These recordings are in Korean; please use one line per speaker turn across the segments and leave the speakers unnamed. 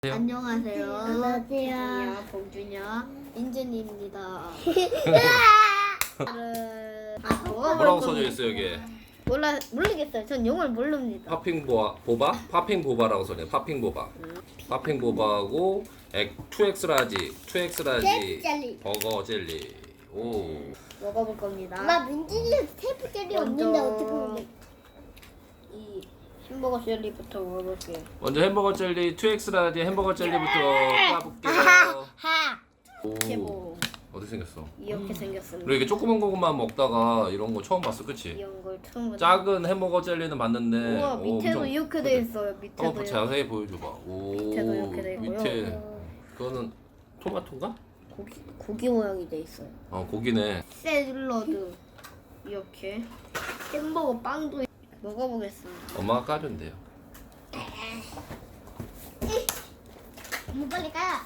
안녕하세요.
안녕하세요.
봉준이야, 인준이입니다.
뭐라고 써져 있어 여기?
모르겠어요. 전 영어를 모릅니다.
보바? 파핑 보바라고 써져. 파핑 보바. 파핑 보바하고 2X 라지, 2X 라지
젤리.
버거 젤리. 오.
먹어볼 겁니다.
엄마 민준이 테이프 젤리
먼저
없는데 어떻게 먹는?
이 햄버거 젤리부터 먹어볼게요.
먼저 햄버거 젤리, 2X 라지 햄버거 젤리부터 까볼게요.
하.
이렇게
오.
뭐
어떻게 생겼어?
이렇게 생겼습니다.
그리고 이게 조그만 것만 먹다가 이런 거 처음 봤어, 그치?
이런 걸 처음 보는.
작은 햄버거 젤리는 봤는데.
우와,
오,
밑에도
엄청
이렇게 돼
크대.
있어요. 밑에도
한번 자세히 보여줘봐. 오.
밑에도 이렇게 돼 있고요.
밑에 그거는 토마토인가?
고기 모양이 돼 있어요.
고기네.
샐러드 이렇게 햄버거 빵도 먹어보겠습니다.
엄마가 까준대요.
뭐 빨리 가.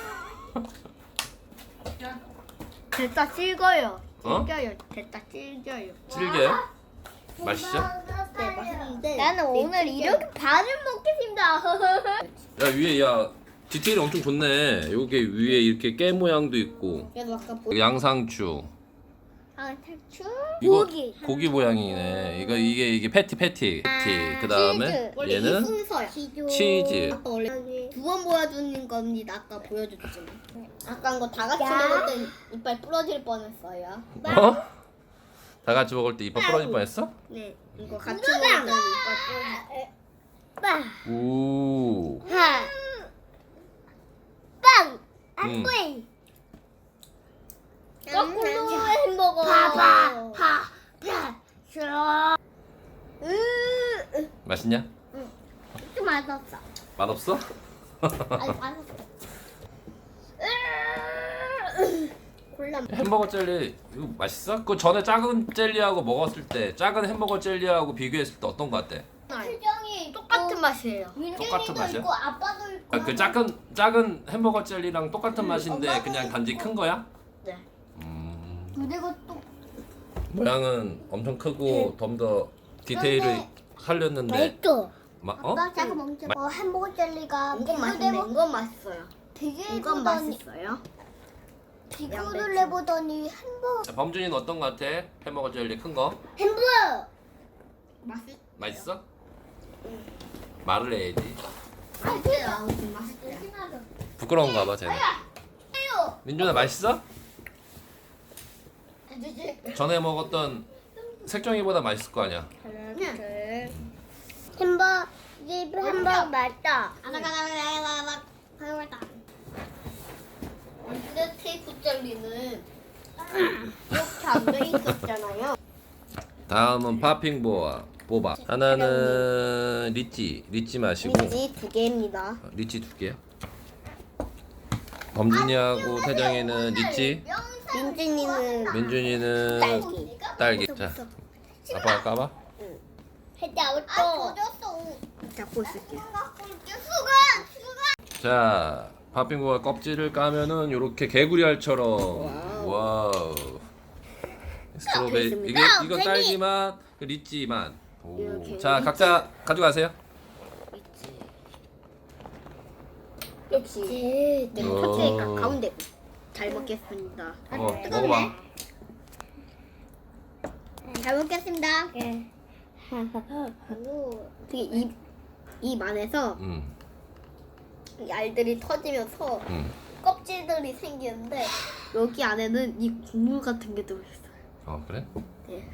됐다 질겨요.
어?
질겨요. 됐다 질겨요.
질겨요? 맛있죠?
네, 맛있는데
나는 오늘 이렇게 반을 먹겠습니다.
야 위에 디테일이 엄청 좋네. 여기 위에 이렇게 깨 모양도 있고
그래도 아까
양상추.
아 탈출.
이거
고기.
고기 모양이네. 이게 패티. 그 다음에
원래 이
얘는
순서야.
치즈.
아까 원래 두 번 보여주는 겁니다. 아까 보여줬지만 아까 거 다 같이
야.
먹을 땐 이빨 부러질 뻔했어요.
어? 다 같이 먹을 때 이빨 부러질 뻔했어?
네, 이거 같이 먹을 땐 이빨 부러질
빵.
오.
하. 빵.
음.
안돼.
거꾸로 햄버거.
파. 싫어.
맛있냐?
좀 맛없어.
맛없어?
아니 맛없어.
콜라.
햄버거 젤리 이거 맛있어? 그 전에 작은 젤리하고 먹었을 때 작은 햄버거 젤리하고 비교했을 때 어떤 거 같아?
표정이
똑같은 맛이에요.
똑같은 맛이야?
있고 아빠도 있고.
그 작은 햄버거 젤리랑 똑같은 맛인데 그냥 단지 큰 거야?
네.
그리고 또
모양은 엄청 크고 좀 더 디테일을 살렸는데
맛있어.
어?
아빠 잠깐 멈춰. 햄버거 젤리가
이건 맛있네. 이건 맛있어요.
비교를
이건
해보더니
맛있어요.
비교를 해보더니 햄버거
자, 범준이는 어떤 거 같아? 햄버거 젤리 큰 거?
햄버거
맛있어? 말을 해야지.
맛있어요. 맛있어요.
부끄러운가 봐 쟤는. 민준아 맛있어? 전에 먹었던 색종이보다 맛있을 거 아니야?
햄버거 맛있다.
근데 테이프 젤리는 이렇게 안 돼 있었잖아요.
다음은 파핑 보바. 하나는 리치 마시고
민지 2개입니다.
리치 2개야. 범준이하고 태정이는 리치,
민준이는
민준이는 딸기. 자, 아빠가 까봐.
아
잡고 있을게요.
자, 파핑 보바 껍질을 까면은 요렇게 개구리알처럼. 와우. 스트로베리 이게 이거 딸기 맛, 그 리치 맛. 오.
이렇게
자,
리치.
각자 가져가세요.
역시 네,
오.
터치니까 가운데 잘 먹겠습니다.
먹어봐.
잘 먹겠습니다.
되게 입 안에서
음.
이 알들이 터지면서
음.
껍질들이 생기는데 여기 안에는 이 국물 같은 게 들어있어요.
그래?
네.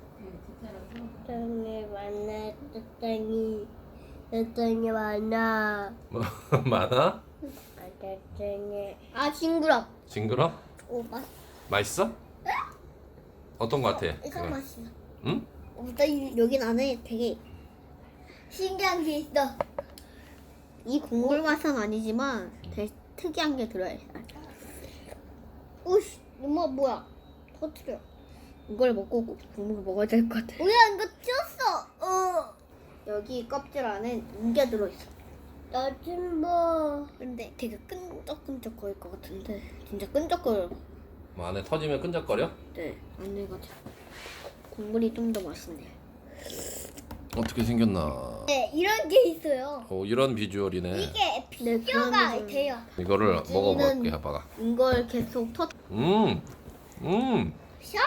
뜯더니 많아.
뭐 많아?
아 징그럽.
징그러?
오
맛있어? 어떤 거 같아?
이거
그거?
맛있어.
응?
여기 안에 되게
신기한 게 있어.
이 국물 맛은 아니지만 되게 특이한 게 들어있어요.
오씨, 엄마 뭐야? 터트려.
이걸 먹고 국물 먹어야 될 것 같아.
뭐야 이거 튀었어.
여기 껍질 안에 인게 들어있어.
나좀 봐.
근데 되게 끈적끈적거릴 것 같은데 진짜 끈적거려.
뭐 안에 터지면 끈적거려?
네, 안에가 국물이 좀 더 맛있네요.
어떻게 생겼나?
네, 이런 게 있어요.
이런 비주얼이네.
이게
그런
비교가
거죠.
돼요.
이거를
우진이는-
먹어볼게 아빠가.
이걸 계속
음.
샤?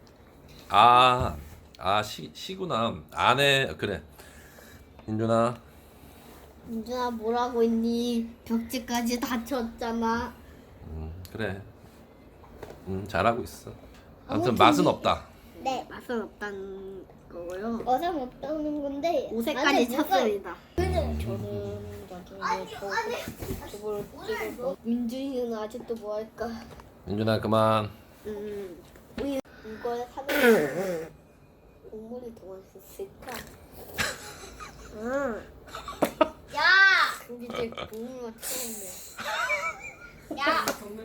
시구나. 안에 그래. 민준아.
민준아 뭐라고 했니? 벽지까지 다쳤잖아.
그래. 잘하고 있어. 아무튼
아무튼
맛은
이-
없다.
네.
맛은 없다는 거고요.
어서 못하는 건데.
옷에까지
안에 뭐가-
찼습니다.
그는
저는 나중에 저걸 찍고 민준이는 아직도 뭐 할까?
민준아 그만.
이걸 사면 국물이 더 맛있을까?
야!
근데 제 국물만 처음이야.
야!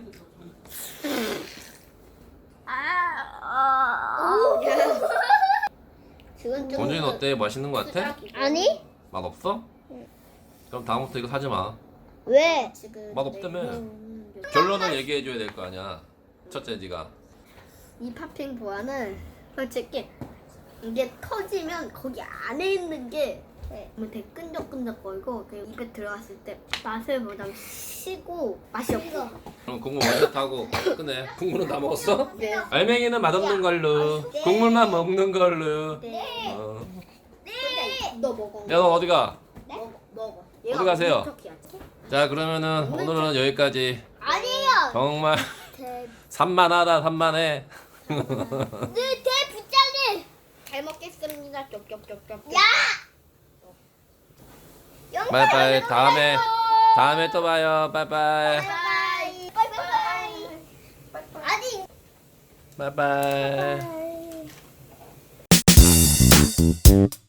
지금 좀
원준이 어때? 맛있는 거 같아?
아니?
맛 없어? 그럼 다음부터 이거 사지 마.
왜?
지금
맛 없다며.
냉면
결론을 얘기해 줘야 될 거 아니야. 첫째 네가.
이 팥빙 보안은 솔직히 이게 터지면 거기 안에 있는 게 되게 끈적끈적거리고 그리고 입에 들어갔을 때 맛을 보다 시고 맛이 없고
그럼 국물 먼저 타고 끝내. 국물은 다 먹었어?
네.
알맹이는 맛없는 걸로. 국물만 먹는 걸로.
네.
어.
근데 너 먹어.
야 너 어디 가?
먹어.
어디 가세요?
먹는 척해야지.
자 그러면은 오늘은 여기까지.
아니에요!
정말
대-
산만하다 산만해.
네, 대부장님!
잘 먹겠습니다. 쩝쩝쩝쩝.
야!
바이바이. 다음에 또 봐요. 바이바이.
바이바이! 바이바이! 아니!
바이바이.
바이.